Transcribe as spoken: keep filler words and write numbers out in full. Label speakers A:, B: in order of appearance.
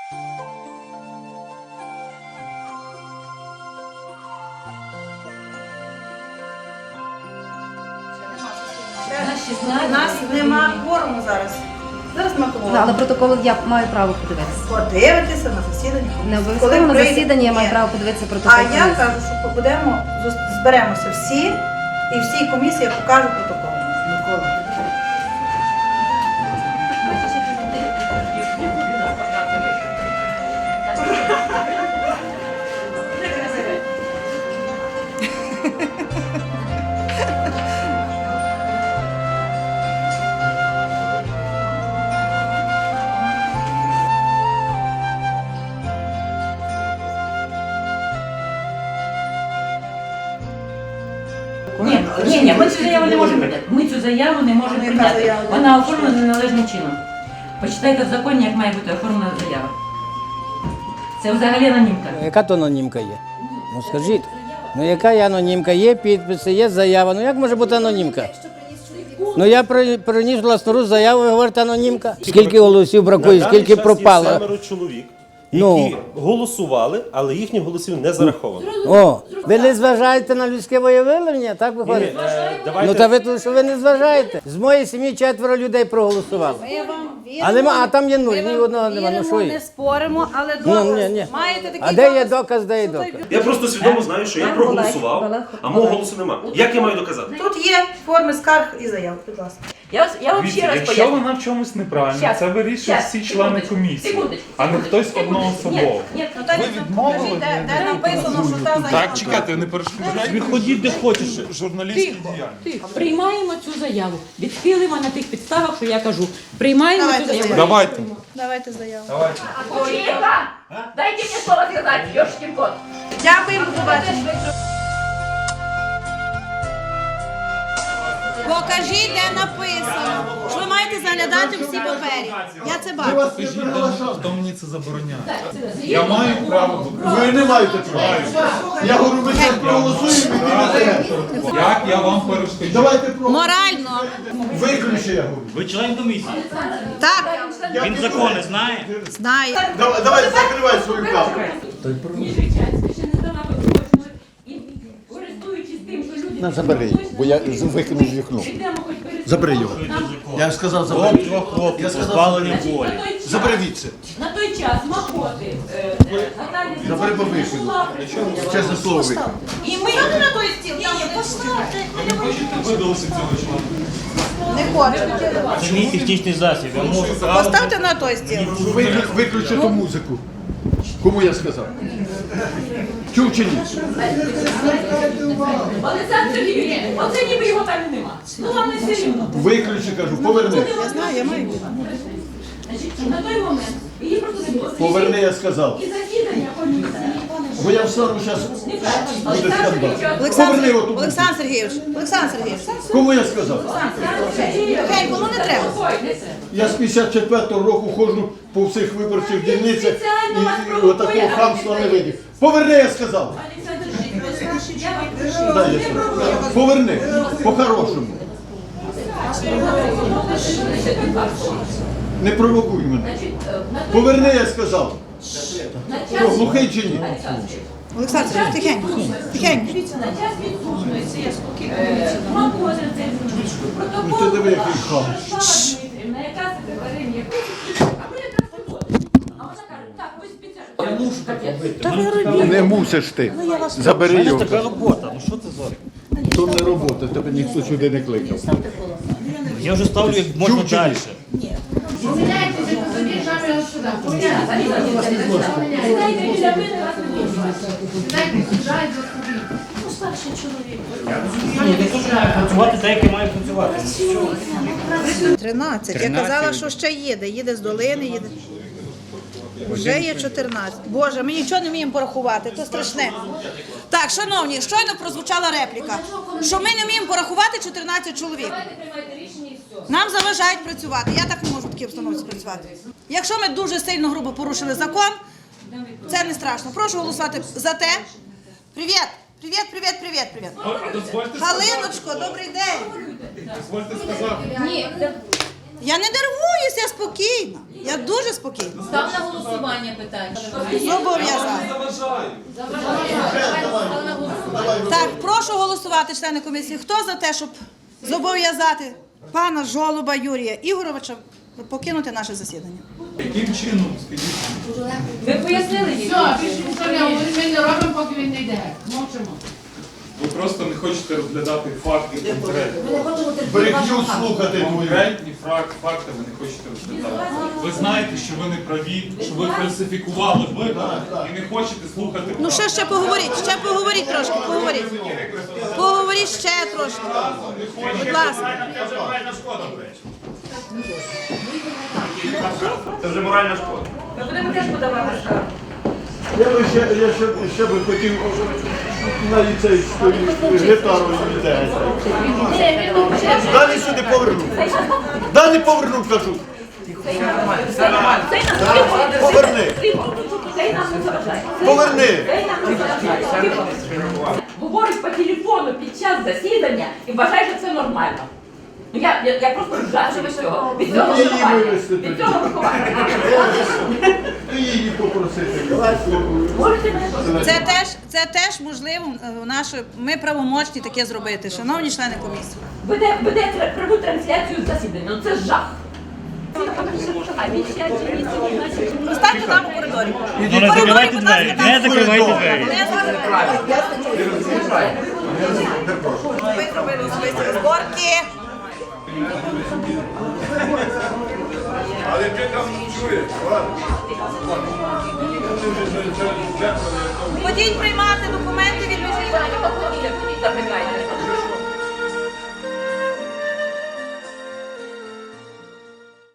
A: У нас нема кворуму зараз. Зараз нема кворуму.
B: Але протокол я маю право подивитися.
A: Подивитися на засідання.
B: Не обов'язково на засіданні я маю право подивитися протокол.
A: А я кажу, що будемо, зберемося всі і всій комісії покажу протокол.
C: Ні, ні, ні, ми цю заяву не можемо прийняти. Ми цю заяву не можемо прийняти. Вона оформлена неналежним чином. Почитайте в законі, як має бути оформлена заява. Це взагалі анонімка.
D: Яка то анонімка є? Ну скажіть. Ну яка є анонімка? Є підписи, є заява. Ну як може бути анонімка? Ну я при- приніс власноруч заяву, ви говорите анонімка. Скільки голосів бракує,
E: На
D: скільки
E: даний час
D: пропало?
E: Є семеро чоловік, які
D: Ну.
E: голосували, але їхніх голосів не зараховано.
D: О, ви не зважаєте на людське волевиявлення, так виходить?
E: Е, давайте-
D: Ну та ви тут, що ви не зважаєте. З моєї сім'ї четверо людей проголосували.
A: Ми вам віримо.
D: А нема, а там є нуль,
A: Ми
D: ні
A: вам
D: одного нема. Ну
A: віримо,
D: що
A: не
D: є?
A: споримо, але
D: Ну,
A: доказ.
D: ні, ні.
A: Маєте такий
D: А де є
A: доказ?
D: доказ, де є
A: Що той
D: доказ?
E: Я просто свідомо знаю, що я
B: Олег,
E: проголосував,
B: Олег,
E: а мого
B: Олег.
E: голосу нема. Як я маю доказати?
A: Тут є форми скарг і заяв, будь ласка.
C: Я, вас- я вам ще
F: Дивіться,
C: раз
F: якщо
C: поясню.
F: вона в чомусь неправильна,
C: Щас,
F: це вирішують
C: щас,
F: всі члени
C: секундочку,
F: комісії,
C: секундочку,
F: а не
C: секундочку,
F: хтось
C: секундочку.
F: одноособово.
C: Ні, ні,
A: Ну, так,
F: Ви відмовили?
A: покажіть, де, де написано, що та заява.
F: Так, чекайте, не перешкоджайте. Ходіть де хочеш. Журналістські діяльність.
C: Тихо. Приймаємо цю заяву. Відхилимо на тих підставах, що я кажу. Приймаємо
A: Давайте
C: цю заяву.
A: заяву.
F: Давайте.
A: Давайте заяву.
C: Тихо! Дайте мені слово сказати, Йошкін кот.
A: Дякуємо, до побачення. Покажіть, де написано, що ви маєте заглядати всі папері. Я це бачу.
F: Покажіть, де- хто мені це забороняє. Я маю право.
G: Ви не маєте права. Я говорю, ми зараз проголосуємо і не треба.
F: Як я вам перешкоджу?
G: Давайте про
A: Морально.
G: виключи, я говорю.
H: Ви член комісії.
A: Так,
H: Він закони знає.
A: знаю.
G: Давай, давай закривай свою камеру.
C: Ніжичанська ще не здала поточно. І користуючись тим, що люди...
G: На, забери його, бо я викинув з вікно.
C: Підемо хоч перед-
G: Забери його. Я сказав,
H: От
G: забери.
H: двох хлопців,
G: Я сказав,
H: позбавлення
C: На
H: волі.
C: той час-
G: Забери відси.
C: На той час Махоти, е, е, Наталія
G: Забери по
C: Зінченко
G: вихіду.
C: була.
G: Чесне слово викинув.
C: І ми... на той стіл? Ні, ні, поставте.
F: Видалося цього члена.
A: Не хочу.
H: Це мій технічний засіб. Я можу право.
A: Поставте на той стіл.
G: Виклю- Виключи ту музику. Кому я сказав? Чув чи ні?
C: Олександр Сергійович, оце ніби його там і нема. Ну вам не серйозно.
G: Виключи, кажу, поверни.
A: Я знаю, я маю.
C: Значить, на той момент її просто не було.
G: Поверни, я сказав.
C: І засідання комісії.
G: Бо я встану зараз, буде скандал. Поверни
A: Олександр,
G: оту музику.
A: Олександр Сергійович, Олександр Сергійович.
G: Кому я сказав?
A: Тихенько, ну не треба.
G: Я з п'ятдесят четвертого року ходжу по всіх виборчих дільницях і, і отакого хамства не видів. Поверни, я сказав.
C: Олександр Сергійович, я вам прошу.
G: Дай я сказав. Поверни, по-хорошому. Не провокуй мене. Поверни, я сказав. Що, глухий чи ні?
A: Олександр Сергійович, тихенько, тихенько.
C: На час відсутності е, Махоти, це
G: Ну ти диви, який хам.
C: Дмитрівна, яка секретарем є. А ми якраз виходимо. А вона каже, так, ви спеціально. Я мушу таке.
G: Не мусиш ти. Забери його.
H: Така робота. Ну що це за?
G: То не робота, тебе ніхто сюди не кликав.
H: Я вже ставлю як можна
G: Чув чи ні?
H: далі.
C: Сідайте біля мене, вас не
H: Ні, не хочу працювати так, як я маю працювати.
A: тринадцять. Я казала, що ще їде. Їде з долини, їде. Вже є чотирнадцять. Боже, ми нічого не вміємо порахувати, то страшне. Так, шановні, щойно прозвучала репліка, що ми не вміємо порахувати чотирнадцять чоловік. Нам заважають працювати. Я так не можу в такій обстановці працювати. Якщо ми дуже сильно грубо порушили закон, це не страшно. Прошу голосувати за те. Привіт! Привіт, привіт, привіт, привіт. Галиночко, добрий день.
F: Дозвольте сказати.
C: Ні,
A: Я не нервуюся, я спокійна. Я дуже спокійна.
I: Став на голосування питання.
A: Зобов'язати. Так, прошу голосувати, члени комісії. Хто за те, щоб зобов'язати пана Жолуба Юрія Ігоровича покинути наше засідання?
F: Яким чином, скажіть?
C: Ви пояснили їй?
I: Все, більше нічого не говоримо, ми не робимо, поки він не йде. Мовчимо.
F: Ви просто не хочете розглядати факти конкретні.
G: Брехню слухати твою.
F: Конкретні факти, факти ви не хочете розглядати. Ви знаєте, що ви не праві, що ви фальсифікували вибори і не хочете слухати
A: Ну ще ще поговоріть, ще поговоріть трошки, поговоріть. Поговоріть ще трошки. Будь ласка.
E: Це вже моральна шкода.
C: Ми будемо теж подавати скаргу.
G: Я би ще, я ще, ще би хотів на ліцейську гітару віддати. Далі сюди поверну. Далі поверну, кажу. Поверни. Поверни.
C: Говорить по телефону під час засідання і вважає, що це нормально. Ну я, я, я просто вжачу від цього. Від цього
G: Її
C: виховання.
G: вивезти
C: Від
G: тоді.
C: цього виховання.
G: Ти її попросити.
C: Можете мене послухати?
A: Це теж, це теж можливо е, наше, ми правомочні таке зробити, шановні члени комісії.
C: Веде, веде пряму трансляцію засідання. Ну це жах.
A: Останню там у коридорі.
H: Ну не закривайте двері, не закривайте двері.
A: Не закривайте. Ми зробили особисті розборки.
G: Але ти там чуєш,
A: Ходіть приймати документи від межі.
C: Запитайте.